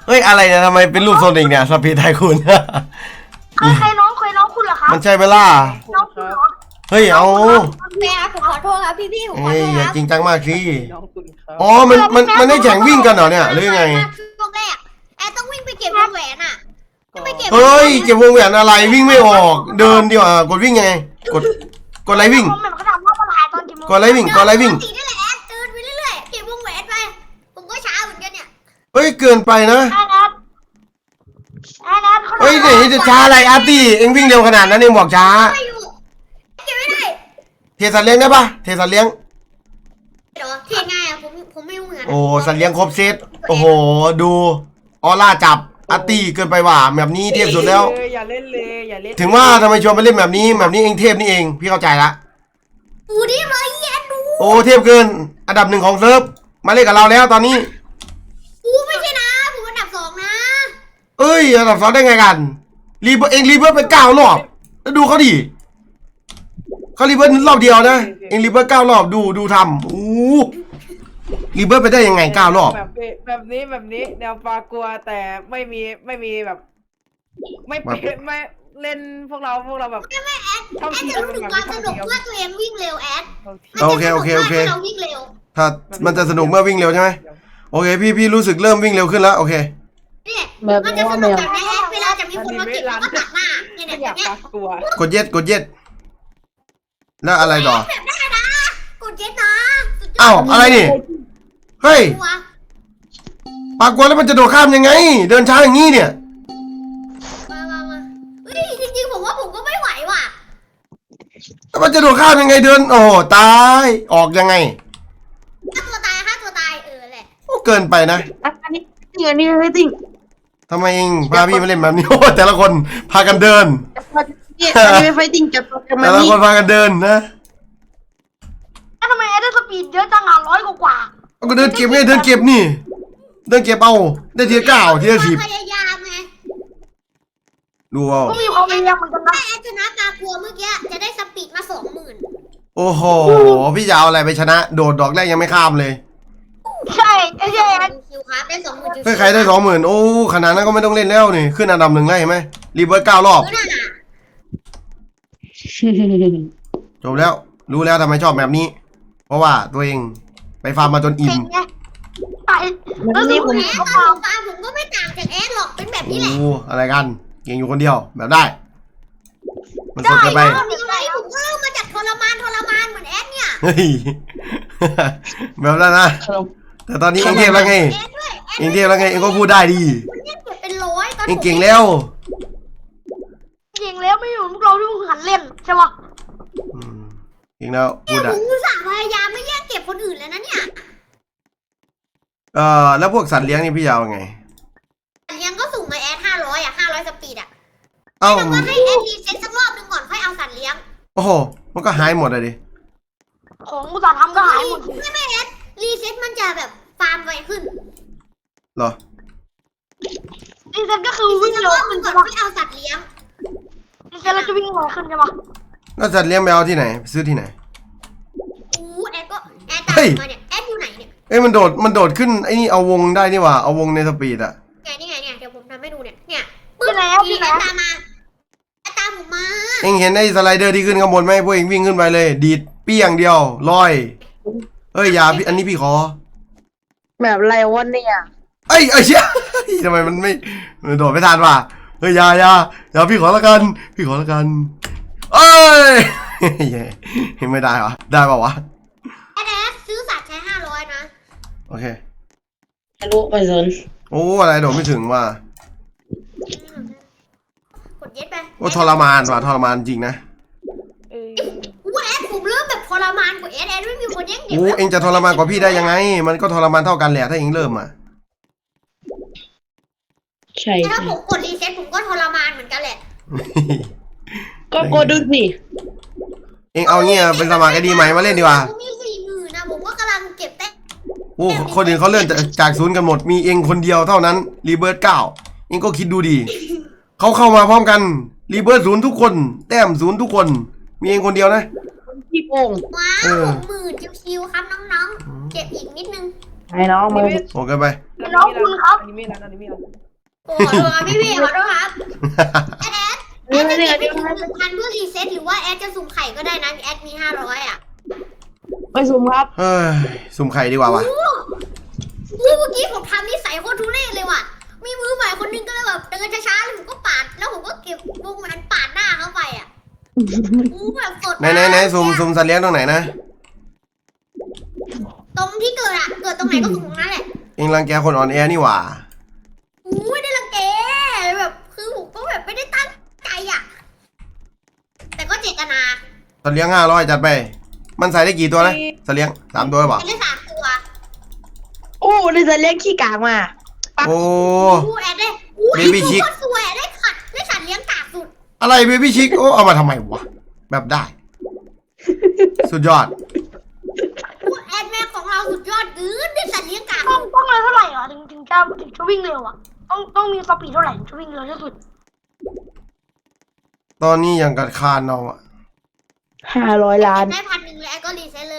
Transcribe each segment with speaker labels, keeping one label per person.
Speaker 1: เฮ้ยอะไรเนี่ยทำไมเป็นรูปโซนิกเนี่ยสปีดไทคูน
Speaker 2: เคยน้องคุณเหรอครับ
Speaker 1: มันใช่ไหมล่ะ
Speaker 2: น้องคุณเหรอ
Speaker 1: เฮ้ยเอา
Speaker 3: แม่ผมขอโทษครับพี่ผมขอ
Speaker 1: เฮ้ย
Speaker 3: โทษ
Speaker 1: อย่า
Speaker 3: ครับ
Speaker 1: จริงจังมากสิ
Speaker 4: น้องคุณครับ
Speaker 1: อ๋อมันได้แข่งวิ่งกันเหรอเนี่ยหรือยังไง
Speaker 3: ช่วงแรกแอร์ต้องวิ่งไปเก็บวงแหวนอ่ะไปเก็บ
Speaker 1: เฮ้ยเก็บวงแหวนอะไรวิ่งไม่ออก เดินดีกว่ากดวิ่งยังไงกดอะไรวิ่ง
Speaker 2: ผมเหมือนเขาถามว่ามาถ่ายตอนกี่โมง
Speaker 1: กดอะไรวิ่งกดอะไรวิ่ง
Speaker 3: ตีนี่แหละแอร์เดินไปเรื่อยๆเก็บวงแหวนไปผมก็ช้าเหมือนกันเนี่ย
Speaker 1: เฮ้ยเกินไปนะ
Speaker 2: ไอ้นัทเขา
Speaker 1: เฮ้ยไหนจะช้าอะไรอาร์ตี้เอ็งวิ่งเร็วขนาดนั้นเอ็งบอกช้า
Speaker 3: ไม่อยู่เก็บไม่ได้
Speaker 1: เทสัตว์เลี้ยงได้ปะเทสัตว์เลี้ยง
Speaker 3: เดี๋ยวเทง่ายอ่ะผมไม่รู้เหมือนกัน
Speaker 1: โอ้สัตว์เลี้ยงครบเซตโอ้โหดูออร่าจับอาร์ตี้เกินไปว่ะแบบนี้เทพสุดแล้ว
Speaker 4: อย่าเล่นเลยอย่าเล่น
Speaker 1: ถึงว่าทำไมชวนไปเล่นแบบนี้เองเทพนี่เองพี่เข้าใจละ
Speaker 3: ดูดิเลยแย่ดู
Speaker 1: โอ้เทพเกินอันดับ1ของเซิร์ฟมาเล่นกับเราแล้วตอนนี้
Speaker 3: กูไม่ใช่นะผมอันดับ2นะ
Speaker 1: เอ้ยอันดับ2ได้ไงกันรีเบิร์เองรีเบิร์ไป9 รอบแล้วดูเขาดิเขารีเบิร์รอบเดียวนะเองรีเบิร์9 รอบดูทำอู้รีเบิร์ไปได้ยังไง9 รอบ
Speaker 4: แบบนี้แนวปลากลัวแต่ไม่มีแบบ ไม่เป็นไม่เล่นพวกเราแบบ
Speaker 3: ไม่แอดจะรู้ถึงความสนุกเมื่อตัวเองวิ่งเร็วแอด
Speaker 1: โอเค
Speaker 3: เราวิ่งเร็ว
Speaker 1: ถ้ามันจะสนุกเมื่อวิ่งเร็วใช่ไหมโอเคพี่รู้สึกเริ่มวิ่งเร็วขึ้นแล้วโอเค
Speaker 3: เนี่ยมันจะสนุกแบบนี้เวลาจะมีคนมาเก็บแล้วก็ตัดหน้าเนี่ย
Speaker 4: ไม่
Speaker 3: เนี่ย
Speaker 4: อยาก
Speaker 3: เนี่ย
Speaker 4: ปลากลัว
Speaker 1: กดเย็ดแล้วอะไรต่อ
Speaker 3: แบบได้นะกดเจ็ดนะ
Speaker 1: อ้าวอะไรนี่เฮ้ย
Speaker 3: ตัว
Speaker 1: ปากกลัวแล้วมันจะโดดข้ามยังไง เดินช้าอย่างนี้เนี่ย
Speaker 3: มาเฮ้ยจริงๆผมว่าผมก็ไม่ไหวว่ะ
Speaker 1: แล้วมันจะโดดข้ามยังไงเดินโอ้โหตายออกยังไง
Speaker 3: ฆ่าตัวตายแหละ
Speaker 1: โอ้เกินไปนะ
Speaker 2: อันนี้ไม่ติ่ง
Speaker 1: ทำไมเองพาพี่มาเล่นแบบนี้โอ้แต่ละคนพากันเดิน
Speaker 2: อันนี้ไม่ไฟติ่งกับกับมั
Speaker 1: แต่
Speaker 2: น
Speaker 1: ละ
Speaker 2: นี่
Speaker 1: คนพากันเดินนะ
Speaker 2: ทำไมได้สปีดเยอะจังอ่ะ100 กว่า
Speaker 1: เอาก็เดินเก็บไงเดินเก็บนี่ เดินเก็บเอาได้ทีละ9ทีละ10
Speaker 3: พยายามไง
Speaker 1: ดูเอา
Speaker 2: ก็มีความพยายามเหมือนกันนะ
Speaker 3: ถ้าแอดชนะปลากลัวเมื่อกี้จะได้สปีดมา 20,000
Speaker 1: โอ้โหพี่จะเอาอะไรไปชนะ โดดดอกแรกยังไม่ข้ามเลย
Speaker 2: ใช่ไอ้เจ๊
Speaker 3: คิวครับได้ 20,000
Speaker 1: เฮ้ยใครได้20,000โอ้ขนาดนั้นก็ไม่ต้องเล่นแล้วนี่ขึ้นอันดับ1แล้วเห็นไหมรีเบิร์ต9 รอบ
Speaker 3: คือน่ะ
Speaker 1: จบแล้วรู้แล้วทำไมชอบแบบนี้ เพราะว่าตัวเองไปฟาร์มมาจนอิ่
Speaker 2: เก่
Speaker 1: ม
Speaker 2: งไงไอ้แล้วนี่ผม
Speaker 3: แอด
Speaker 2: ก็
Speaker 3: ตอ
Speaker 2: ฟัง
Speaker 3: นผมก็ไม่ต่างจากแอดหรอกเป็นแบบนี้แหละ
Speaker 1: โอ้อะไรกันเก่งอยู่คนเดียวแบบได้ มันสดเกินไป
Speaker 3: ผมก็เริ่มมาจากทรมานเหมือนแอดเนี่ย
Speaker 1: เฮ้ย แบบนั้นนะแต่ตอนนี้เองเทพแล้วไง
Speaker 3: แอดด้วย
Speaker 1: เองเทพแล้วไงเองก็พูดได้ดี
Speaker 3: คนเล่นเก็บเป็นร้อยตอน
Speaker 1: เองเก่งแล้ว
Speaker 2: เก่งแล้วไม่อยู่พวกเราที่หันเล่นใช่ปะ
Speaker 1: อืมเก่งแล้วพูด
Speaker 3: ผ
Speaker 1: ได้
Speaker 3: มอุตส่าห์พยายามไม่แย่งเก็บคนอื่นแล้วนะเนี่ย
Speaker 1: แล้วพวกสัตว์เลี้ยงนี่พี่ยาวไง
Speaker 3: เลี้ยงก็สุ่มมาแอด500 500 สปีดอ่ะ
Speaker 1: เอ้า
Speaker 3: แต่ว่าให้แอดรีเซ็ตสักรอบหนึงก่อนค่อยเอาสัตว์เลี้ยง
Speaker 1: โอ้โหมันก็หายหมดเลยดิ
Speaker 2: ของอุตสาหทำก็หายหมด
Speaker 3: ไม่แอดรีเซ็ตมันจะแบบฟาร์มไวขึ้น
Speaker 1: เหรอ
Speaker 2: นี่เซนก็คือวิ่ง
Speaker 3: สัก
Speaker 2: เร็
Speaker 3: ร
Speaker 2: ว
Speaker 3: อบหนึ
Speaker 2: ขึ้น
Speaker 3: งก่อน
Speaker 2: ใช่ปะ
Speaker 3: ค่อยเอาสัตว์เลี้ยง
Speaker 2: นี่เซนเราจะวิ่งเร็วขึ้นใช่ปะ
Speaker 1: แล้วสัตว์เลี้ยงไปเอาที่ไหนไปซื้อที่ไหน
Speaker 3: แอดก็แอดตามมาเนี่ยแอดอยู่ไหนเนี่ย
Speaker 1: เอ้ยมันโดดขึ้นไอ้นี่เอาวงได้นี่หว่าเอาวงในสปีดอะ
Speaker 3: นี่ไงเนี่ยเดี๋ยวผมทำให้ดูเนี่ย
Speaker 2: ที่ไหนอ่ะที่ไหน
Speaker 3: แอดตามมาแอดตามผมมา
Speaker 1: เอ็งเห็นไอ้สไลเดอร์ที่ขึ้นข้างบนไหมพวกเอ็งวิ่งขึ้นไปเลย ดีดเปี้ยงเดียวลอยเอ้ยอย่าพี่อันนี้พี่ขอ
Speaker 5: แบบอะไรวะเนี่ย
Speaker 1: เอ้ยเชี่ย ทำไมมันโดดไม่ทันว่ะเฮ้ยอย่าพี่ขอละกันเอ้ย ไม่ได้วะได้ป่าวะ
Speaker 3: แอดซื้อสัตว์ใช้500นะ
Speaker 1: โอเค
Speaker 5: ไม่รู้ไปสน
Speaker 1: โอ้อะไรโดดไม่ถึงว่ะ
Speaker 3: กดเย็ดไป
Speaker 1: โอ้ทรมานว่ะทรมานจริงนะ
Speaker 3: แอดผมเริ่มแบบทรมานกว่าแอดไม่มีคนแย่งเก็บ
Speaker 1: โอ้เอ็งจะทรมานกว่าพี่ได้ยังไง มันก็ทรมานเท่ากันแหละถ้าเอ็งเริ่มอ่ะ
Speaker 5: ใช่
Speaker 3: ถ้าผมกดรีเซ็ตผมก็ทรมานเหมือนกันแหละ
Speaker 5: ก็กดดูสิ
Speaker 1: เอ็งเอาเงี้ยเป็นสมัครไอดีใหม่มาเล่นดีกว่า
Speaker 3: ผมมี40,000นะผมก็กำลังเก็บแต้ม
Speaker 1: โอ้คนอื่นเขาเลื่อนจากศูนย์กันหมดมีเอ็งคนเดียวเท่านั้นรีเบิร์ต9เอ็งก็คิดดูดีเขาเข้ามาพร้อมกันรีเบิร์ต0ทุกคนแต้ม0ทุกคนมีเอ็งคนเดียวนะ
Speaker 5: พี่โกง
Speaker 3: ว้าว60,000ชิวๆครับน้องๆเก็บอีกนิดนึง
Speaker 5: ให้น้องมึง
Speaker 1: โหดเกินไป
Speaker 2: น้องคุณครับ
Speaker 4: อันนี้ไม่รันอันนี้ไม่รัน
Speaker 3: โอ้ขอโทษครับพี่ขอโทษครับแอดจะเก็บไปถึง1,000เพื่อรีเซ็ตหรือว่าแอดจะสุ่มไข่ก็ได้นะแอดมี500อ่ะ
Speaker 5: ไปซุ่มครับ
Speaker 1: เฮ้ยสุ่มไข่ดีกว่าวะ
Speaker 3: เมื่อกี้ผมทำนิสัยโคตรทุเรศเลยว่ะมีมือใหม่คนนึงก็เลยแบบเดินช้าๆแล้วผมก็ปาดแล้วผมก็เก็บวงมันปาดหน้าเข้าไปอ่ะแบบสด
Speaker 1: ไหนสุ่มสัตว์เลี้ยงตรงไหนนะ
Speaker 3: ตรงที่เกิดอะเกิดตรงไหนก็สุ่มตรงนั้นแหละ
Speaker 1: เองรังแกคนอ่อนแอนี่หว่า
Speaker 3: ไม่ได้รังแกแบบคือผมก็แบบไม่ได้ตั้งใจอ่ะแต่ก็เจตนา
Speaker 1: สัตว์เลี้ยง500จัดไป มันใส่ได้กี่ตัวนะสัตว์เลี้ยง3 ตัวหรือเปล่า
Speaker 3: แอดได้3 ตัว
Speaker 5: โอ้ได้จะเลี้ยงขี้กากมา
Speaker 1: โอ้
Speaker 3: แอดได้
Speaker 1: Baby Chick
Speaker 3: โคตรสวยได้สัตว์เลี้ยงกากสุด
Speaker 1: อะไรเบบี้ชิคโอ้เอามาทำไมวะแบบได้ สุดยอด
Speaker 3: แอดแม่ของเราสุดยอดเกินได้สัตว์เลี้ยงกาก
Speaker 2: ต้องเลยเท่าไหร่อ่ะถึงจะวิ่งเร็วอ่ะต้องมีสปีดเท่าไหร่ถึงจะวิ่งเร็วที่สุด
Speaker 1: ตอนนี้ยังกัดคานเอาอะ
Speaker 5: 500 ล้าน
Speaker 3: ได้1,000เลยแอดก็รีเซ็ตเลย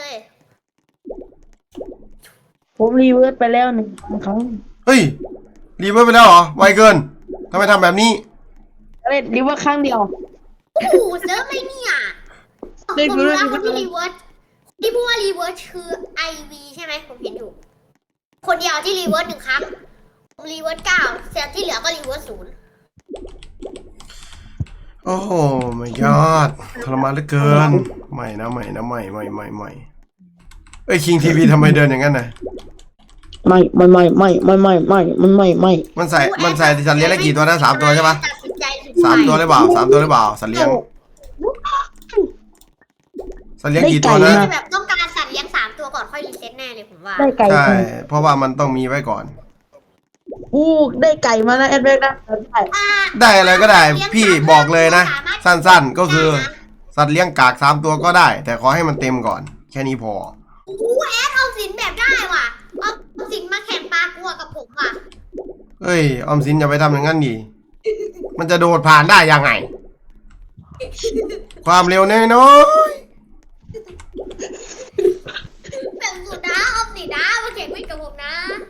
Speaker 5: ผมรีเวิร์สไปแล้ว1 ครั้ง
Speaker 1: เฮ้ยรีเวิร์สไปแล้วเหรอไวเกินทำไมทำแบบนี้
Speaker 5: เล่นรีเวิร์สครั้งเดียว
Speaker 3: โอ้โหเซิร์ฟไม่เนี่ยผมรู้แล้วคนที่รีเวิร์สที่พูดว่ารีเวิร์สคือ IV ใช่ไหมผมเห็นอยู่คนเดียวที่รีเวิร์ส1 ครั้งผมรีเวิร์ส9เสร็จที่เหลือก็รีเวิร์ส0
Speaker 1: โอ้โหไม่ยอดทรมานเหลือเกินใหม่นะใหม่เอ้ยคิงทีวีทำไมเดินอย่างนั้นนะ
Speaker 5: ไม่ มันไม่
Speaker 1: มันใส่สัตว์เลี้ยงได้กี่ตัวนะ3 ตัวใช่ปะ
Speaker 3: ตัดสินใจสุด
Speaker 1: 3 ตัวหรือเปล่า3 ตัวหรือเปล่าสัตว์เลี้ยงกี่ตัวนะ
Speaker 3: แบบต้องการสัตว์เลี้ยง3 ตัวก่อนค่อยรีเซ็ตแน่เลยผมว่า
Speaker 5: ได้ไก่
Speaker 1: ใช่เพราะว่ามันต้องมีไว้ก่อน
Speaker 5: ได้ไก่มานะแอดเวกนะได้
Speaker 1: ได้อะไรก็ได้ พี่บอกเลยนะ สั้นๆก็คือสัตว์เลี้ยงกาก3 ตัวก็ได้ แต่ขอให้มันเต็มก่อน แค่นี้พอ
Speaker 3: โอ้โหแอดเอาสินแบบได้ว่ะเอาสินมาแข่งปลากลัวกับผมว่ะ
Speaker 1: เอ้ยออมสินอย่าไปทำอย่างนั้นดิมันจะโดดผ่านได้ยังไง ความเร็วน้อย
Speaker 3: แบบสุดนะเอาสินนะมาแข่งวิ่งกับผมนะ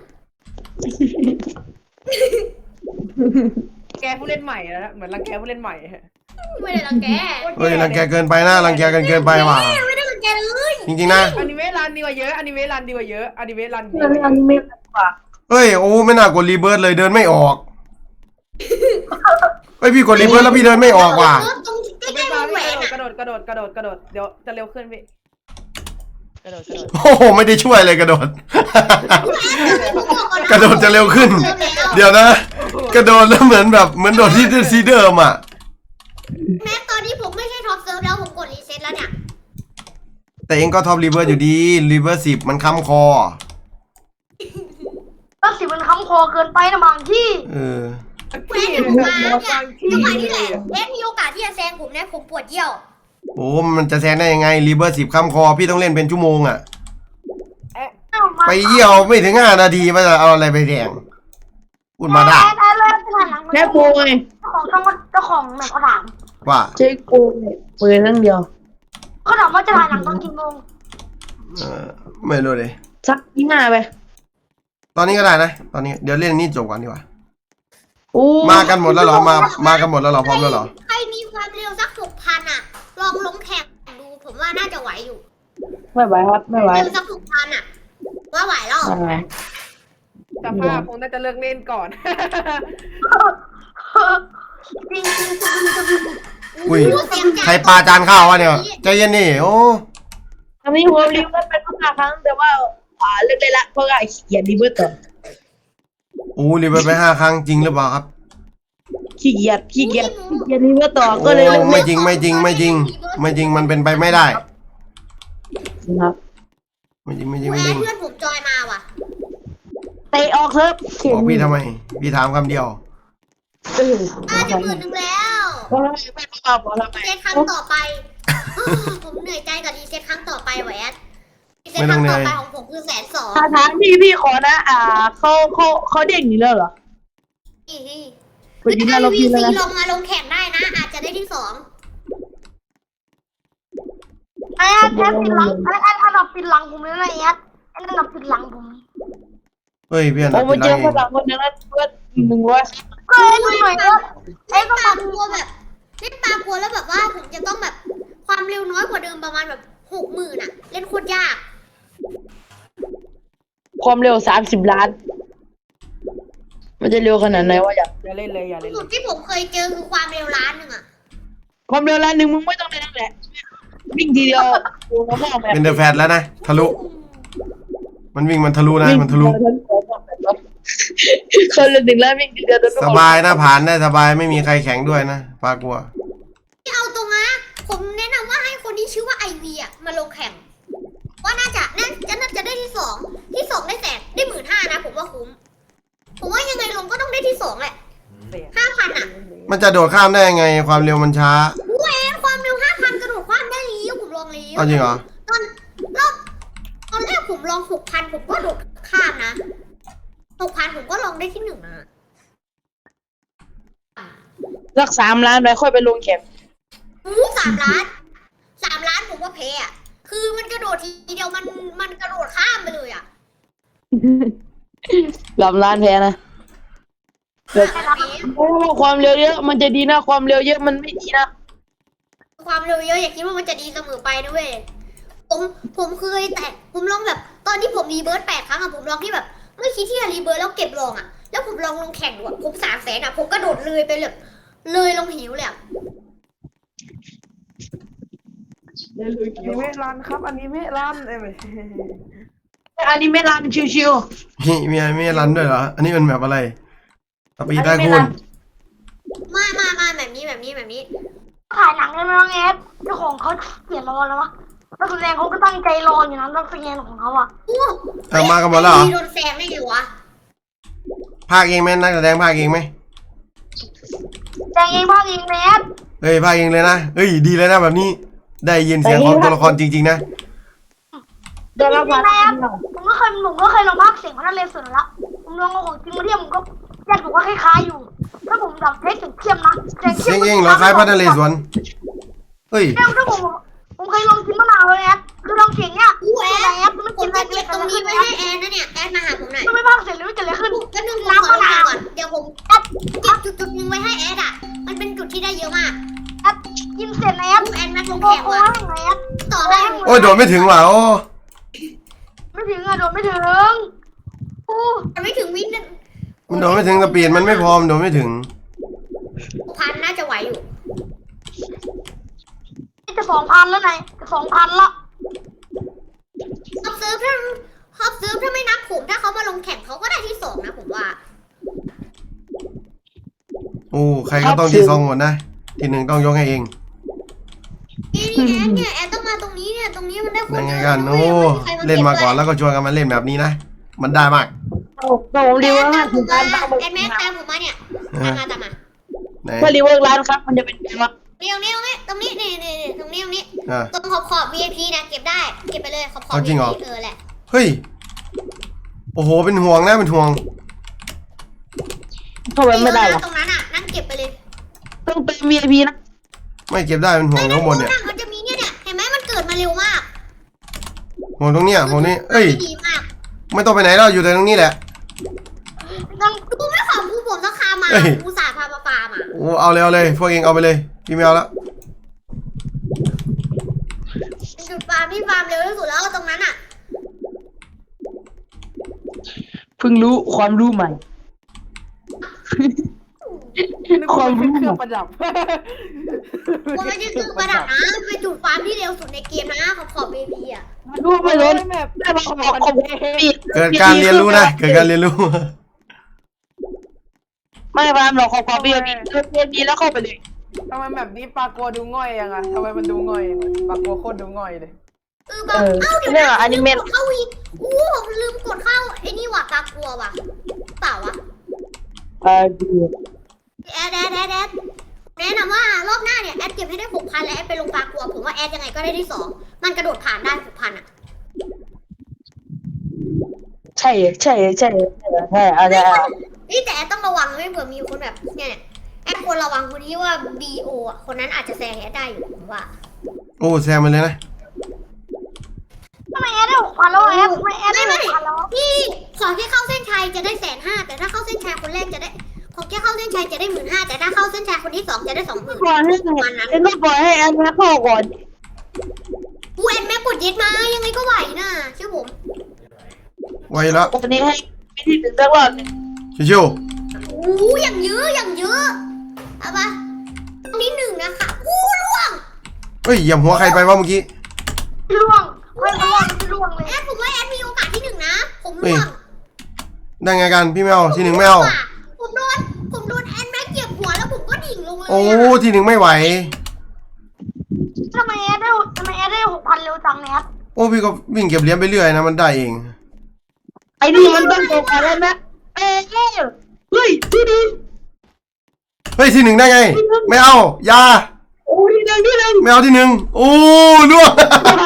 Speaker 4: แกผู้เล่นใหม่แล้วนะเหมือนรังแกผู้เล่นใหม่
Speaker 3: ไม่ได้รังแก
Speaker 1: เฮ้ยรังแกเกินไปนะรังแกกันเกินไปว่ะ
Speaker 3: ไม่ได้รังแกเลย
Speaker 1: จริงๆนะ
Speaker 4: อนิเมะรันดีกว่าเยอะอนิเมะรันดีกว่าเยอะอนิเมะรันดีก
Speaker 5: อั
Speaker 4: ว่าน เย
Speaker 5: นี้
Speaker 4: อะ
Speaker 5: ไม่กว่า
Speaker 1: เฮ้ยโอ้ไม่น่ากดรีเบิร์ดเลยเดินไม่ออกเฮ้ยพี่กดรีเบิร์ดแล้วพี่เดินไม่ออกว่ะ
Speaker 3: ตรงใก
Speaker 4: ไม่
Speaker 3: ล้ๆว
Speaker 4: มาง
Speaker 3: แหว
Speaker 4: พี่
Speaker 3: น
Speaker 4: กระ
Speaker 3: อ่ะ
Speaker 4: โดดเดี๋ยวจะเร็วขึ้นพี่กระโดด
Speaker 1: โอ้โหไม่ได้ช่วยเลยกระโดด กระโดดจะเร็วขึ้น เดี๋ยวนะ กระโดดแล้วเหมือนโดดที่ซีเดิมอ่ะ
Speaker 3: แม้ตอนนี้ผมไม่ใช่ท็อปเซิร์ฟแล้วผมกดรีเซ็ตแล้วเนี่ย
Speaker 1: แต่เองก็ท็อปรีเวิร์สอยู่ดีรีเวิร์ส10มันค้ำคอ
Speaker 2: ก็สิมันค้ำคอเกินไปนะบางที่
Speaker 1: เออ
Speaker 3: แม่ที่ผมมาเนี่ยจังหวะนี้แหละแอดมีโอกาสที่จะแซงผมนะผมปวดเยี่ยว
Speaker 1: โอ้มันจะแซงได้ยังไงรีเวิร์ส10ค้ำคอพี่ต้องเล่นเป็นชั่วโมงอ่ะ ไปเยี่ยวไม่ถึง5 นาทีมันจะเอาอะไรไปแดงพูดมาได้
Speaker 2: แอดเลยไปถ่ายหนัง
Speaker 5: แค่โกงไง
Speaker 2: เจ้าของแหม่เขาถาม
Speaker 1: ว่า
Speaker 5: ใช้โกงปืนทั้งเดียว
Speaker 2: เขาถามว่าจะถ่ายหนังตอนกี่โมง
Speaker 1: เออไม่รู้เลย
Speaker 5: สัก25ไป
Speaker 1: ตอนนี้ก็ได้นะตอนนี้เดี๋ยวเล่นนี่จบก่อนดีกว่า
Speaker 5: โอ้
Speaker 1: มากันหมดแล้วเหรอมากันหมดแล้วเหรอพร้อมแล้วเหรอ
Speaker 3: ใครมีความเร็วสัก6,000อ่ะลองลงแข่งดูผมว่าน่าจะไหวอยู่
Speaker 5: ไม่ไหวครับไม่ไหว
Speaker 3: เร็วสัก6,000อ่ะว่าไหวหรอ
Speaker 5: ไม่ไหว
Speaker 4: สภาพคงน่าจะเลิกเล่นก่อน
Speaker 2: จริง
Speaker 1: อุ้ยใครปาจานข้าววะเนี่ยใจเย็นนี่โอ้
Speaker 5: อันนี้ผมรีเวิร์สไป5 ครั้งแต่ว่าเลิกได้ละเพราะว่าขี้เกียจรีเวิร์สต่อ
Speaker 1: โอ้รีเวิร์สไป5 ครั้งจริงหรือเปล่าครับ
Speaker 5: ขี้เกียจรีเวิร์สต่อก็เลย
Speaker 1: โอ้ไม่จริงมันเป็นไปไม่ได้
Speaker 5: ครับ
Speaker 1: ไม่จริง
Speaker 3: แอดเพื่อนผมจอยมาว่ะ
Speaker 5: เตะออกเถอะ
Speaker 1: บอกพี่ทำไมพี่ถามคำเดียว
Speaker 3: จะ10,000แล้ว
Speaker 5: เพราะไม่ตอบทำไม
Speaker 3: รีเซ็ตครั้งต่อไป ผมเหนื่อยใจกับรีเซ็ตครั้งต่อไปแหวนรีเซ็ตครั้งต่อไปของผมคือ120,000
Speaker 5: ถ้าถามพี่ขอนะเขาเด้งอยู่แล้วเหรอ
Speaker 3: คือถ้า VC ลงมาลงแข่งได้นะ อาจจะได้ที่2
Speaker 2: แอดปิดหลังแอดอันดับปิดหลังผมเลยนะแอดอันดับปิดหลังผม
Speaker 1: เฮ้ยเพื่อน
Speaker 5: ผม
Speaker 1: อ่ะ
Speaker 5: มา
Speaker 1: เป็น
Speaker 5: เจ
Speaker 1: ไร
Speaker 5: อ
Speaker 1: เอ
Speaker 5: ฝ
Speaker 1: ง
Speaker 5: รั่งคนนึงแล้วเพื่อน100
Speaker 2: ก็เล่นหน่อยเถอะเอ้ยก็
Speaker 3: ปลา
Speaker 2: ทำ
Speaker 3: กลัวแบบเล่นปลากลัวแล้วแบบว่าผมจะต้องแบบความเร็วน้อยกว่าเดิมประมาณแบบ60,000อ่ะ เล่นโคตรยาก
Speaker 5: ความเร็ว30 ล้าน มันจะเร็วขนาดไหนวะอยาก
Speaker 4: อย่าเล่นเลยอย่าเล่น
Speaker 3: สุ
Speaker 4: เล
Speaker 3: ด
Speaker 4: ย
Speaker 3: ที่ผมเคยเจอคือความเร็วล้านหนึ่งอ่ะ
Speaker 5: ความเร็วล้านหนึ่งมึงไม่ต้องเลยนั่นแหละวิ่งทีเดียวโอ้โหมองแบบ
Speaker 1: เป็นเดอะแฟตแล้วนะทะลุมันวิ่งมันทะลุนะมันทะลุ
Speaker 5: คนละ1 ล้านวิ่งทีเดียวโดน
Speaker 1: สบายนะผ่านได้สบายไม่มีใครแข็งด้วยนะปลากลัว
Speaker 3: ที่เอาตรงนะผมแนะนำว่าให้คนที่ชื่อว่าไอวีอ่ะมาลงแข่ง ว่าน่าจะได้ที่สองได้แสนได้15,000นะผมว่าคุ้ม ผมว่ายังไงลงก็ต้องได้ที่2แหละ 5,000 อ่ะ
Speaker 1: มันจะโดดข้ามได้ยังไงความเร็วมันช้า
Speaker 3: เว้ยความเร็ว 5,000 กระโดดความได้แล้วผมลองแล้ว
Speaker 1: เอาจริงเหรอ
Speaker 3: ตอนแรกผมลอง 6,000 ผมก็โดดข้ามนะ 6,000 ผมก็ลองได้ที่1นะ
Speaker 5: สัก3 ล้านไปค่อยไปลงแข่ง
Speaker 3: 3 ล้าน 3 ล้านผมว่าแพ้อะคือมันกระโดดทีเดียวมันกระโดดข้ามไปเลยอ่ะ
Speaker 5: 3 ล้านแพ้นะเพราะว่าความเร็วเยอะมันจะดีนะความเร็วเยอะมันไม่ดีนะ
Speaker 3: ความเร็วเยอะอย่าคิดว่ามันจะดีเสมอไปนะเว้ย ผมเคยแต่ผมลองแบบตอนที่ผมรีเบิร์ต8 ครั้งอะผมลองที่แบบไม่คิดที่จะรีเบิร์ตแล้วเก็บลองอะแล้วผมลองลงแข่งดูอะผม300,000อะผมกระโดดเลยไปเลยเลยลงหิวเลยอะ
Speaker 4: อนิเมะรันครับอนิเมะรันเอ้ยไม่ใช่
Speaker 5: อันนี้ไม่รันชิว
Speaker 1: มีรันด้วยเหรออันนี้มันแบบอะไรสปีดได้คุณ
Speaker 3: มาแบบนี้
Speaker 2: ถ่ายหนังเลยไหมน้องเอฟเจ้าของเขาเขียนรอแล้ววะนักแสดงเขาก็ตั้งใจรออยู่นะนักแสดงของเขาอะ
Speaker 3: โอ้
Speaker 1: เอามากันหมดแล้วเหรอ
Speaker 3: โดนแซงได้ไงวะ
Speaker 1: ภาคเองไหมนักแสดงภาคเองไหม
Speaker 2: แต่งเองภาคเองแมส
Speaker 1: เฮ้ยภาคเองเลยนะเฮ้ยดีเลยนะแบบนี้ได้ยินเสียงของตัวละครจริงๆนะ
Speaker 5: ๆได้รับความ
Speaker 2: แมสผมก็เคยลองภาคเสียงพนักเลสุดละผมลองเอาของจริงมาเทียบผมก็อยากบอกว่าคล้ายๆอยู่ ถ้าผมแบบเทสเสียงเข้มนะ
Speaker 1: เสียงเองเหรอคล้ายพระนเรศวรเฮ้ย
Speaker 2: ถ้าผมเคยลองกินมะนาวเลยแอดคือลองเสียงเนี้ย
Speaker 3: อู้แอ
Speaker 2: แอดมัน
Speaker 3: ผ
Speaker 2: กิ
Speaker 3: ม
Speaker 2: นอะไร
Speaker 3: จะเก็บตรงนี้ไว้ให้แอนนะเนี่ยแอนมาหาผมหน่อย
Speaker 2: มันไม่ภาคเสร็จหรือจะอะไรขึ้น
Speaker 3: ก็นึงผมขอลงก่อนเดี๋ยวผมเก็บจุดนึงไว้ให้แอนอะมันเป็นจุดที่ได้เยอะมาก
Speaker 2: แอดกินเสร็จนะแอด
Speaker 3: แอนมาลง
Speaker 2: โอ้
Speaker 3: แข่ง
Speaker 2: โห
Speaker 3: ว่ะ
Speaker 2: แอด
Speaker 3: ต่อได้
Speaker 1: โอ้ยโดดไม่ถึงว่ะโอ้
Speaker 2: ไม่ถึงอะโดดไม่ถึงอู้
Speaker 3: มันไม่ถึงวิน
Speaker 1: มันโดดไม่ถึงสปีดมันไม่พอมันโดดไม่ถึง
Speaker 3: 6,000น่าจะไหวอยู่
Speaker 2: จะ2,000แล้วไงจะ2,000ละ
Speaker 3: ฮอปเซิร์ฟถ้าไม่นับผมถ้าเขามาลงแข่งเขาก็ได้ที่2นะผมว่า
Speaker 1: โอ้ใครก็ต้องที่2หมดนะที่1ต้องยกให้เอง
Speaker 3: นี่แอนต้องมาตรงนี้เนี่ยตรงนี้มันได้คน
Speaker 1: ยังไง
Speaker 3: เย
Speaker 1: กั
Speaker 3: อะ
Speaker 1: น
Speaker 3: นะ
Speaker 1: โอ้
Speaker 3: เว้ยไม่มีใครมา
Speaker 1: เล่นมาก่อน
Speaker 3: ก็บ
Speaker 1: แล้วก็ชวนกันมาเล่นแบบนี้นะมันได้มาก
Speaker 5: ผมรี
Speaker 3: แอ
Speaker 5: เวิร์
Speaker 3: น
Speaker 5: ก
Speaker 3: ตามผม
Speaker 5: ล้า
Speaker 3: มาน
Speaker 5: ตามผม
Speaker 3: แอนแม็กตามผมมาเนี่ย
Speaker 1: เอ
Speaker 3: ตา
Speaker 1: อ
Speaker 3: มมา
Speaker 1: ไหน
Speaker 5: ถ้ารีเวิร์กล้านครับมันจะเป็นไงวะ
Speaker 3: นี่ตรงนี้นี่ตรงนี้
Speaker 1: อ่ะ
Speaker 3: ตรงขอบ VIP นะเก็บได้เก็บไปเลยขอบ
Speaker 1: เอาจริงเหรอ
Speaker 3: VIP แหละ
Speaker 1: เฮ้ยโอ้โหเป็นห่วงนะเป็นห่วง
Speaker 5: เข้าไปไม่ได้หรอ
Speaker 3: ตรงนั้นอ่ะนั่งเก็บไปเลย
Speaker 5: ต้องเป็น VIP นะ
Speaker 1: ไม่เก็บได้เป็นห่วงข้างบนเนี่ย
Speaker 3: มันจะมีเนี่ยเห็นไหมมันเกิดมาเร็วมาก
Speaker 1: ห่วงตรงเนี้ยห่วงนี้เอ้ย
Speaker 3: ดีมาก
Speaker 1: ไม่ต้องไปไหนแล้วอยู่แต่ตรงนี้แหละ
Speaker 2: นั่ง
Speaker 3: กูไม่ขอกูผมต้องคามา
Speaker 1: เอ้ย
Speaker 3: กูสาพามาฟาร์มอ่ะ
Speaker 1: โอ้เอาเลยเอาเลยพวกเองเอาไปเลยพี่ไม่เอาแล้ว
Speaker 3: จุดฟาร์มที่ฟาร์มเร็วที่สุดแล้วตรงนั้นอ่ะ
Speaker 5: เพิ่งรู้ความรู้ใหม่
Speaker 4: นึกว่าเป็นเครื่องประดับ
Speaker 3: กูไม่ใช่คือประดับนะเป็นจุดฟาร์มที่เร็วสุดในเกมนะขอบ VIP อ่ะ
Speaker 5: รู้ไม่รู้
Speaker 4: แบบ
Speaker 5: ได้มาขอบพี่
Speaker 1: เกิดการเรียนรู้นะเกิดการเรียนรู้
Speaker 5: ไม่พามหรอกขอบพี่พี่แล้วเข้าไปเลย
Speaker 4: ทำไมแบบนี้ปลากัวดูง่อยยังอะทำไมมันดูง่อยยังอะปลากัวโคตรดูง่อยเลย
Speaker 3: แบบเอ้าเดี๋ยว
Speaker 5: เรื่อง
Speaker 3: นะ
Speaker 5: อนิเมะ
Speaker 3: ลืมกดเข้าอีกผมลืมกดเข้าไอ้นี่ว่ะตากลัวว่ะเปล่าวะ
Speaker 5: ดี
Speaker 3: แอดแนะนำว่ารอบหน้าเนี่ยแอดเก็บให้ได้ 6,000 แล้วแอดไปลงปลากลัวผมว่าแอดยังไงก็ได้ที่ 2มันกระโดดผ่านได้ 6,000 อ่ะ
Speaker 5: ใช่อะไร
Speaker 3: นี่แต่แอดต้องระวังไม่เผื่อมีคนแบบเนี่ยแอดควรระวังคนที่ว่า BO อ่ะคนนั้นอาจจะแซงแอดได้อยู่ผมว่า
Speaker 1: โอ้แซมไปเลยนะ
Speaker 2: ทำไมแอดได้6,000แล้วแอดทำไมแอดได้6,000แล้ว
Speaker 3: พี่ขอแค่เข้าเส้นชัยจะได้150,000แต่ถ้าเข้าเส้นชัยคนแรกจะได้ขอแค่เข้าเส้นชัยจะได้15,000แต่ถ้าเข้าเส้นชัยคนที่2จะได้20,000
Speaker 5: ปล่อยให้แอนก็ปล่อยให้แอนมาเข้าก่อน
Speaker 3: กูแอนแม่กดยึดมายังไงก็ไหวนะเชื่อผม
Speaker 1: ไวแล้ว
Speaker 5: วันนี้ให้ไม่ที่ถึงสักรอบหนึ่ง
Speaker 1: ชิว
Speaker 3: อู้อย่างเยอะอย่างเยอะเอาปะนี่1นะคะอู้ล่วง
Speaker 1: ๆเฮ้ยเหยียบหัวใครไปวะเมื่อกี้
Speaker 2: ล่วงไม่ล่วงไม่ล่วงเลย
Speaker 3: แอดผมว่าแอดมีโอกาสที่1นะผมล่วง
Speaker 1: ได้ไงกันพี่ไม่เอาที่หนึ่งไม่เอา
Speaker 3: ผมโดนแอนแม็กเหยียบหัวแล้วผมก็ดิ่งลงเลย
Speaker 1: โอ้ที่หนึ่งไม่ไหว
Speaker 2: ทำไมแอดได้6,000เร็วจังเนี่ย
Speaker 1: โอ้พี่ก็วิ่งเก็บเหรียญไปเรื่อยนะมันได้เอง
Speaker 5: ไอ้นี่มันต้องโกงอะไรนะเอ้ยเฮ้ยที่นี่
Speaker 1: เฮ้ยที่หนึ่งได้ไง ไม่เอาอย่า
Speaker 5: โอ้ที่หนึ่ง
Speaker 1: ไม่เอาที่หนึ่งโอ้ล่วง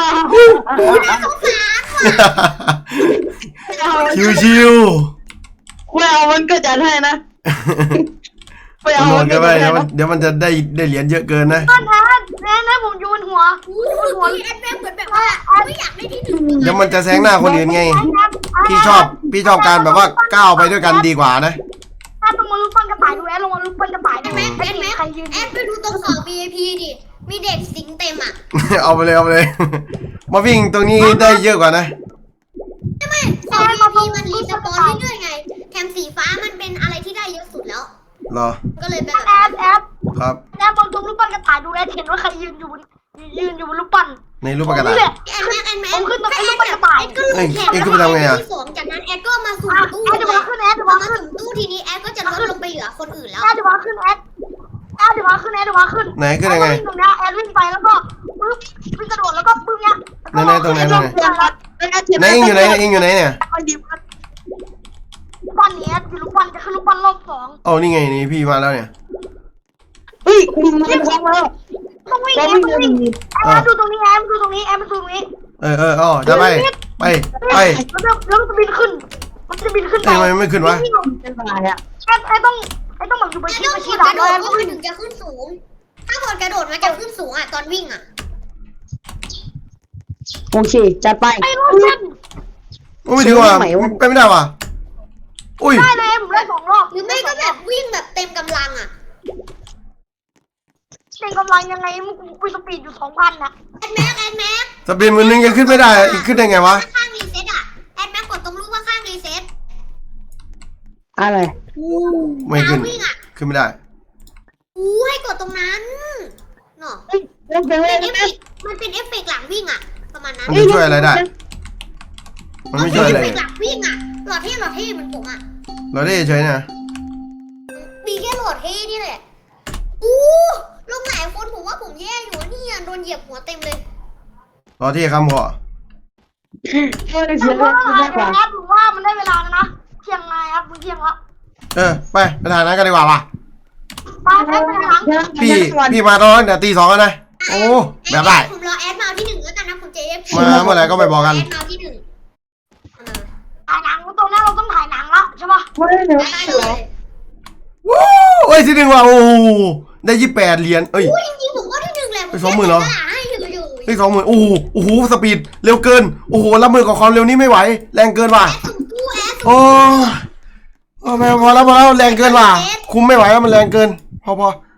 Speaker 1: ชิว
Speaker 5: ไม่เอามันก็จัดให้นะ
Speaker 1: ๆมันโดนกันไปเดี๋ยวมันจะได้เหรียญเยอะเกินนะ
Speaker 2: แอนผมโยนหัว
Speaker 3: หัวแอนแม็กเหมือนแบบว่าไม่อยากได้ที่1
Speaker 1: เดี๋ยวมันจะแซงหน้าคนอื่นไง พี่ชอบการแบบว่าก้าวไปด้วยกันดีกว่านะ
Speaker 2: ถ้าลงมาลูกปั้นกระต่ายดูแอดลงมาลูกปั้นกระต่ายดู
Speaker 3: แม็ก
Speaker 2: ใครยืน
Speaker 3: แอดไปดูตรงขอบ VIP ดิมีเด็กสิงเต็มอ่ะ
Speaker 1: เอาไปเลย มาวิ่งตรงนี้ได้เยอะกว่านะ
Speaker 3: ไม่ขอบ VIP มันรีสปอนเรื่อยๆไงแถมสีฟ้ามันเป็นอะไรที่ได้เยอะสุดแล้ว
Speaker 1: เหรอ
Speaker 3: ก็เลยเป็น
Speaker 2: แอด
Speaker 1: ครับ
Speaker 2: บางตรงลูกปั้นกระต่ายดูแอดเห็นว่าใครยืนอยู่บนลูกปั้น
Speaker 1: ในรูปปากกา
Speaker 2: นี่แหละ
Speaker 3: แอนแม็ก
Speaker 2: ผมขึ้นมาเป็นลูกปั้นกระต่าย
Speaker 3: แอดก็ลงแข่ง
Speaker 1: เอ้ยขึ้นไปทำไงอะ
Speaker 3: ที่สองจากนั้นแอดก็มาสุ่มตู้
Speaker 2: แอดเดี๋ยวมาขึ้นแอดเดี๋ยว
Speaker 3: พอ
Speaker 2: มา
Speaker 3: มา
Speaker 2: ขึ้น
Speaker 3: สุ่มตู้ทีนี้แอดก็จะลดลงไปเหลือคนอื่นแล้ว
Speaker 2: แอดเดี๋ยวมาขึ้นแอดเดี๋ยวมาขึ้น
Speaker 1: ไหนขึ้นยังไง
Speaker 2: ตรงนี้แอดวิ่งไปแล้วก็ปึ๊บวิ่งกระโดดแล้วก็ปึ๊บเนี้ย
Speaker 1: ไหนตรงไหนไหนเองอยู่ไหนเนี่ย
Speaker 2: ปั้นเนี้ยคือลูกปั้นจะขึ้นลูกปั้นรอบ2
Speaker 1: เอานี่ไงนี่พี่มาแล้วเนี่ย
Speaker 5: เฮ้ยคุณมันท้องแล้ว
Speaker 2: ต้องวิ่ง
Speaker 5: ก็
Speaker 2: แอ
Speaker 5: ไม่
Speaker 2: ดต้อง
Speaker 5: เงิน
Speaker 2: วิ่งแอดดูตรงนี้แอดดูตรงนี้
Speaker 1: อ๋อจะไป
Speaker 2: แล้วมันจะบินขึ้นไป
Speaker 1: ทำไมไม่ขึ้นวะ
Speaker 5: เป็นอะไรอ่ะ
Speaker 2: ไอ้ต้องแบบอยู่บน
Speaker 3: แอด
Speaker 2: ที่
Speaker 3: ต้อง
Speaker 2: ชี้
Speaker 3: ก
Speaker 2: หลั
Speaker 3: ด
Speaker 2: ง
Speaker 3: กระโด
Speaker 2: แล้
Speaker 3: ด
Speaker 2: ว
Speaker 3: เพราะมันถึงจะขึ้นสูง ถ้ากดกระโดดมันจะขึ้นสูงอ่ะตอนวิ่งอ่ะ
Speaker 5: โอเคจัดไป
Speaker 2: ไอ้รถเส้น
Speaker 1: ไม่ถึงว่ะไปไม่ได้ว่ะอุ้ย
Speaker 2: ได้เลยผมได้2 รอบ
Speaker 3: หรือไม่ก็แบบวิ่งแบบเต็มกำลังอ่ะ
Speaker 2: เต็มกำลังยังไงมึงกูสปีดอยู่ 2,000 นะ
Speaker 3: แอดแม็ก
Speaker 1: สปีดมือนึงยังขึ้นไม่ได้ขึ้นได้ไงวะ
Speaker 3: ข้างรีเซ็ตอ่ะแอดแม็กกดตรงรูปว่าข้างรีเซ็ต
Speaker 5: อะไร
Speaker 1: ไม่ขึ้น
Speaker 3: วิ่งอ่ะ
Speaker 1: ขึ้นไม่ได้
Speaker 3: อู้ให้กดตรงนั้นเนาะ
Speaker 5: เฮ้ยเล่นไปเล่
Speaker 3: เป็น
Speaker 5: น
Speaker 3: เอฟ
Speaker 5: ไป
Speaker 3: เฟกต์มันเป็นเอฟเฟกต์หลังวิ่งอ่ะ ประมาณนั้น
Speaker 1: มันจะช่วยอะไรได้ มันไม่ช่วยอะไร
Speaker 3: เอฟเฟกต์หลังวิ่งอ่ะหลอดเท่เหมือนผมอ่ะ
Speaker 1: เราได้เฉยนะ
Speaker 3: มีแค่โหลดเท่นี่แหละอู้ลงหลายคนผมว่าผมแย่อยู่เนี่ยโดนเหยียบหัวเต็มเลย
Speaker 1: รอที่คำพอ
Speaker 5: เล่น
Speaker 2: แต่
Speaker 5: เสีย
Speaker 2: เพราะว่า
Speaker 5: มากกว่า
Speaker 2: แอดผมว่ามันได้เวลาแล้วนะเที่ยงไงครับมึงเที่ยงละ
Speaker 1: ไปถ่ายนั้นกันดีกว่าว่ะ
Speaker 2: ไปแอดไปหลัง
Speaker 1: พี่มาตอนแต่ตี2แล้วนะโอ้แบบได้
Speaker 3: ผมรอแอดมาที่1แล้วกันนะผมเจฟ
Speaker 1: มาเมื่อไหร่ก็ไม่บอกกัน
Speaker 3: แอดมาที่1
Speaker 2: ถ่ายหนังตรงนี้เราต้องถ่ายหนังละใช่ปะ
Speaker 5: ไม่ได้เดี๋ยว
Speaker 3: ได้
Speaker 5: เสื
Speaker 3: เล
Speaker 5: อย
Speaker 1: วู้เอ้ยที่หนึ่งว่ะโอ้ได้28 เหรียญเอ้ย
Speaker 3: อู้จริงๆผมก็ที่1แหละ
Speaker 1: ไป20,000เหรอ
Speaker 3: ให้อยู่
Speaker 1: เฮ้ย20,000โอ้โหสปีดเร็วเกินโอ้โหรับมือกับความเร็วนี้ไม่ไหวแรงเกินว่ะ
Speaker 3: แอดสุ่มตู้แอดสุ่ม
Speaker 1: โอ้แม่พอแล้วแรงเกินว่ะคุมไม่ไหวแล้วมันแรงเกินพอ